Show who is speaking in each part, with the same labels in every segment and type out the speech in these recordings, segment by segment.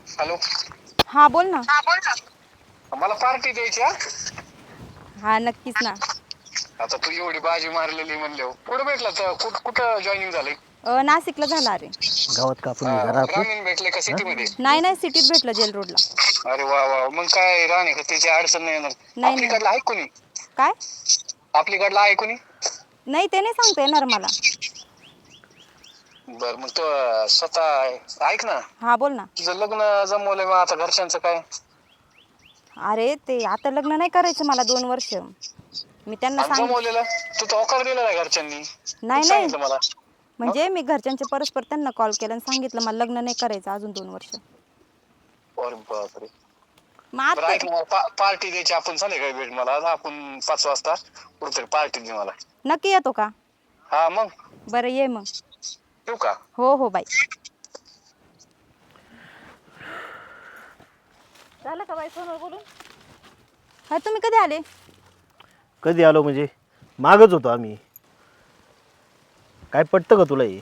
Speaker 1: Hello.
Speaker 2: हा बोल ना.
Speaker 1: मला पार्टी द्यायची हा.
Speaker 2: हा नक्कीच ना.
Speaker 1: आता तू एवढी बाजी मारलेली म्हणल्यावर कुठं भेटला तर कुठं जॉईनिंग झालंय?
Speaker 2: नाशिकला झाला अरे.
Speaker 3: गावात कापून घे जरा आपलं.
Speaker 1: ग्रामीण भेटले का सिटी मध्ये?
Speaker 2: नाही सिटीत भेटलं जेल रोडला.
Speaker 1: अरे वा वा, मग काय राहणे का त्याची अडचण नाही येणार.
Speaker 2: नाही
Speaker 1: आपलीकडला आहे कोणी?
Speaker 2: काय?
Speaker 1: आपलीकडला आहे कोणी?
Speaker 2: नाही ते नाही सांगता येणार मला.
Speaker 1: बर मग तो स्वतः ऐक ना.
Speaker 2: हा बोल ना.
Speaker 1: तुझं लग्न जमवलंय मग आता घरच्यांचं काय?
Speaker 2: अरे ते आता लग्न नाही करायचं मला 2 वर्ष. मी त्यांना
Speaker 1: जमवलेलं तू तर होकार दिलेला आहे घरच्यांनी.
Speaker 2: नाही
Speaker 1: सांगितलं मला.
Speaker 2: म्हणजे मी घरच्यांचे परस्पर त्यांना कॉल केला आणि सांगितलं मला लग्न नाही करायचं अजून 2 वर्ष.
Speaker 1: अरे बापरे.
Speaker 2: मग
Speaker 1: बरं ऐक ना, पार्टी द्यायची आपण संध्याकाळी भेट मला. आपण 5 वाजता कुठेतरी पार्टी दे मला.
Speaker 2: नक्की येतो का?
Speaker 1: हा मग.
Speaker 2: बरं ये मग.
Speaker 1: येऊ का?
Speaker 2: हो बाई.
Speaker 4: झालं का बाई फोनवर बोलून?
Speaker 2: हा तुम्ही कधी आले?
Speaker 3: कधी आलो म्हणजे मागच होतो आम्ही. काय पटतं का तुला हे?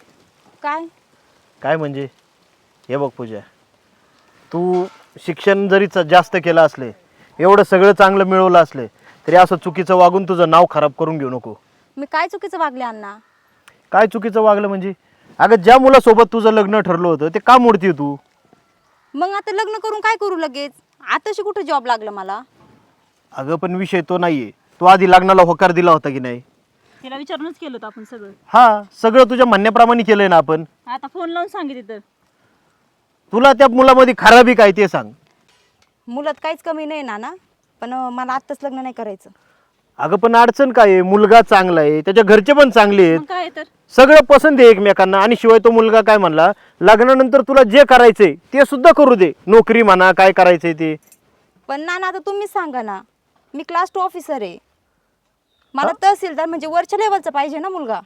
Speaker 2: काय
Speaker 3: म्हणजे हे बघ पूजा, तू शिक्षण जरी जास्त केलं असले, एवढं सगळं चांगलं मिळवलं असले, तरी असं चुकीचं वागून तुझं नाव खराब करून घेऊ नको.
Speaker 2: मी काय चुकीचं वागले अण्णा?
Speaker 3: काय चुकीचं वागलं म्हणजे? अगं ज्या मुलासोबत तुझं लग्न ठरलं होतं ते का मोडती तू?
Speaker 2: मग आता लग्न करून काय करू लगेच? आताशी कुठे जॉब लागला मला?
Speaker 3: अगं पण विषय तो नाहीये. तू आधी लग्नाला होकार दिला होता की नाही?
Speaker 4: तिला विचारूनच केलं होतं आपण सगळं.
Speaker 3: हा, सगळं तुझ्या म्हणण्याप्रमाणे केलंय ना आपण.
Speaker 4: आता फोन लावून सांगितलं तर
Speaker 3: तुला त्या मुलामध्ये खराबी काय ते सांग.
Speaker 2: मुलात काहीच कमी नाही ना, पण मला आत्ताच लग्न नाही करायचं.
Speaker 3: अगं पण अडचण काय आहे? मुलगा चांगला आहे, त्याच्या घरचे पण चांगले आहेत,
Speaker 4: मग काय तर
Speaker 3: सगळं पसंत आहे एकमेकांना. आणि शिवाय तो मुलगा काय म्हणला, लग्नानंतर तुला जे करायचंय ते सुद्धा करू दे, नोकरी म्हणा काय करायचंय ते.
Speaker 2: पण नाना आता तुम्हीच सांगा ना, मी क्लास 2 ऑफिसर आहे. मला तहसीलदार म्हणजे वरच्या लेवलचा पाहिजे ना मुलगा.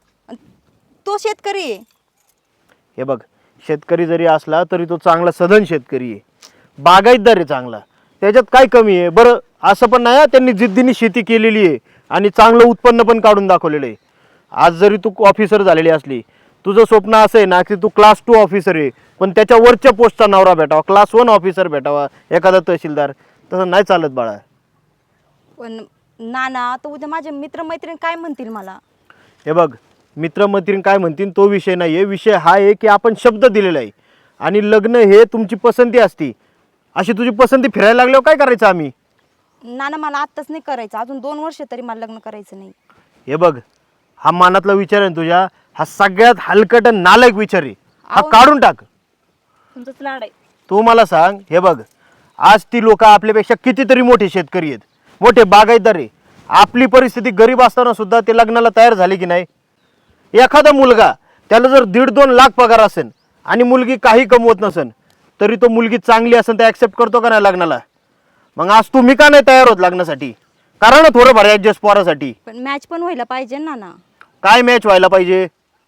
Speaker 2: तो शेतकरी आहे.
Speaker 3: हे बघ, शेतकरी जरी असला तरी तो चांगला सधन शेतकरी आहे, बागायतदार आहे चांगला. त्याच्यात काय कमी आहे? बरं असं पण नाही, त्यांनी जिद्दीने शेती केलेली आहे आणि चांगलं उत्पन्न पण काढून दाखवलेलं आहे. आज जरी तू ऑफिसर झालेली असली, तुझं स्वप्न असं आहे ना की तू क्लास 2 ऑफिसर आहे, पण त्याच्या वरच्या पोस्टचा नवरा भेटावा, क्लास 1 ऑफिसर भेटावा, एखादा तहसीलदार. तसं नाही चालत बाळा.
Speaker 2: पण नाना तर उद्या माझे मित्रमैत्रीण काय म्हणतील मला?
Speaker 3: हे बघ, मित्रमैत्रीण काय म्हणतील तो विषय नाही आहे. विषय हा आहे की आपण शब्द दिलेला आहे आणि लग्न हे तुमची पसंती असती. अशी तुझी पसंती फिरायला लागल्यावर काय करायचं आम्ही?
Speaker 2: नाना मला आत्ताच नाही करायचं, अजून 2 वर्ष तरी मला लग्न करायचं नाही.
Speaker 3: हे बघ, हा मनातला विचार आहे तुझ्या, हा सगळ्यात हलकट आणि नालायक विचार आहे. हा काढून टाक.
Speaker 4: तुमचंच लाड आहे.
Speaker 3: तू मला सांग, हे बघ, आज ती लोक आपल्यापेक्षा कितीतरी मोठे शेतकरी आहेत, मोठे बागायतदार आहे. आपली परिस्थिती गरीब असताना सुद्धा ते लग्नाला तयार झाले की नाही? एखादा मुलगा त्याला जर 1.5-2 लाख पगार असेल आणि मुलगी काही कमवत नसेल, तरी तो मुलगी चांगली असेल तर ॲक्सेप्ट करतो का नाही लग्नाला? मग आज तुम्ही का नाही तयार होत लग्नासाठी? कारण ना थोडंफार ॲडजस्ट पोरासाठी.
Speaker 2: पण मॅच पण व्हायला पाहिजे ना ना.
Speaker 3: काय मॅच व्हायला पाहिजे?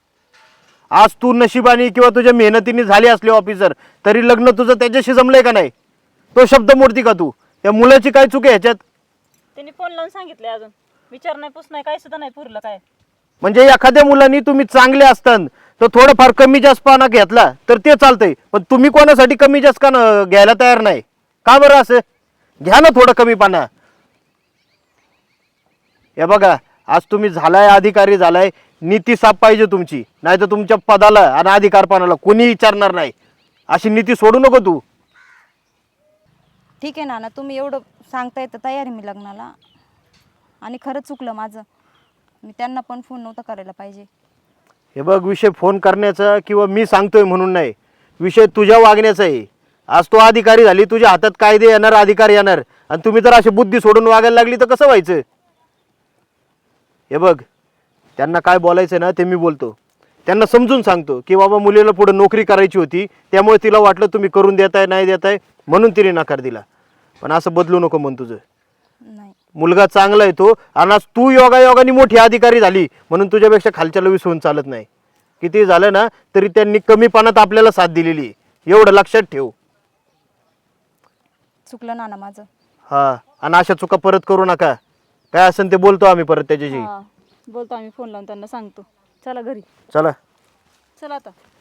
Speaker 3: आज तू नशिबाने किंवा तुझ्या मेहनतीने झाली असली ऑफिसर, तरी लग्न तुझं त्याच्याशी जमलंय का नाही? तो शब्द मोडती का तू? त्या मुलाची काय चूक आहे ह्याच्यात?
Speaker 4: त्यांनी फोन लावून सांगितलंय, अजून विचार नाही पुस नाही काय सुद्धा नाही पुरलं काय.
Speaker 3: म्हणजे एखाद्या मुलांनी तुम्ही चांगले असताना तर थोडंफार कमी जास्त पाना घेतला तर ते चालतंय, पण तुम्ही कोणासाठी कमी जास्त का घ्यायला तयार नाही? का बरं असं? घ्या ना थोडं कमी पाना. हे बघा, आज तुम्ही झालाय अधिकारी झालाय, नीती साफ पाहिजे तुमची, नाही तर तुमच्या पदाला आणि अधिकारपणाला कोणी विचारणार नाही. अशी नीती सोडू नको तू.
Speaker 2: ठीक आहे नाना, तुम्ही एवढं सांगताय तर तयार आहे मी लग्नाला. आणि खरंच चुकलं माझं, मी त्यांना पण फोन नव्हता करायला पाहिजे.
Speaker 3: हे बघ, विषय फोन करण्याचा किंवा मी सांगतोय म्हणून नाही, विषय तुझ्या वागण्याचा आहे. आज तू अधिकारी झाली, तुझ्या हातात कायदे येणार, अधिकार येणार, आणि तुम्ही जर अशी बुद्धी सोडून वागायला लागली तर कसं व्हायचं? हे बघ, त्यांना काय बोलायचं ना ते मी बोलतो. त्यांना समजून सांगतो की बाबा मुलीला पुढे नोकरी करायची होती, त्यामुळे तिला वाटलं तुम्ही करून देताय नाही देताय म्हणून तिने नकार दिला. पण असं बदलू नको मन तुझं.
Speaker 2: नाही
Speaker 3: मुलगा चांगला आहे तो, आणि आज तू योगायोगाने मोठी अधिकारी झाली म्हणून तुझ्यापेक्षा खालच्याला विसरून चालत नाही. किती झालं ना तरी त्यांनी कमीपणात आपल्याला साथ दिलेली आहे, एवढं लक्षात ठेव.
Speaker 2: चुकलं नाना माझं.
Speaker 3: हा, आणि अशा चुका परत करू नका. काय असेल ते बोलतो आम्ही परत त्याच्याशी.
Speaker 4: बोलतो आम्ही फोन लावून त्यांना सांगतो. चला घरी.
Speaker 3: चला.
Speaker 4: चला आता.